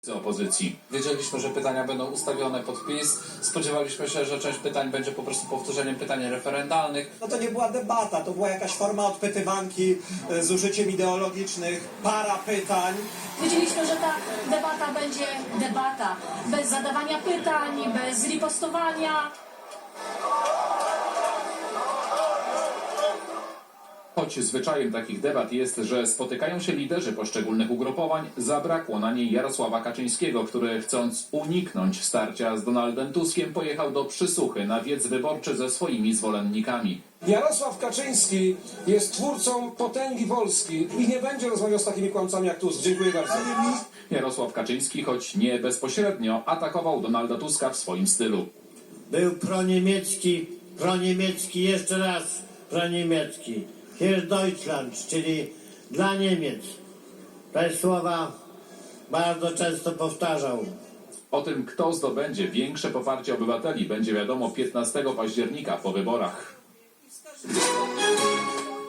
z opozycji. Wiedzieliśmy, że pytania będą ustawione pod PiS. Spodziewaliśmy się, że część pytań będzie po prostu powtórzeniem pytań referendalnych. No to nie była debata, to była jakaś forma odpytywanki z użyciem ideologicznych, para pytań. Wiedzieliśmy, że ta debata będzie debata bez zadawania pytań, bez ripostowania. Choć zwyczajem takich debat jest, że spotykają się liderzy poszczególnych ugrupowań, zabrakło na niej Jarosława Kaczyńskiego, który chcąc uniknąć starcia z Donaldem Tuskiem pojechał do Przysuchy na wiec wyborczy ze swoimi zwolennikami. Jarosław Kaczyński jest twórcą potęgi Polski i nie będzie rozmawiał z takimi kłamcami jak Tusk. Dziękuję bardzo. Jarosław Kaczyński, choć nie bezpośrednio, atakował Donalda Tuska w swoim stylu. Był proniemiecki, jeszcze raz proniemiecki. Für Deutschland, czyli dla Niemiec. Te słowa bardzo często powtarzał. O tym, kto zdobędzie większe poparcie obywateli, będzie wiadomo 15 października po wyborach.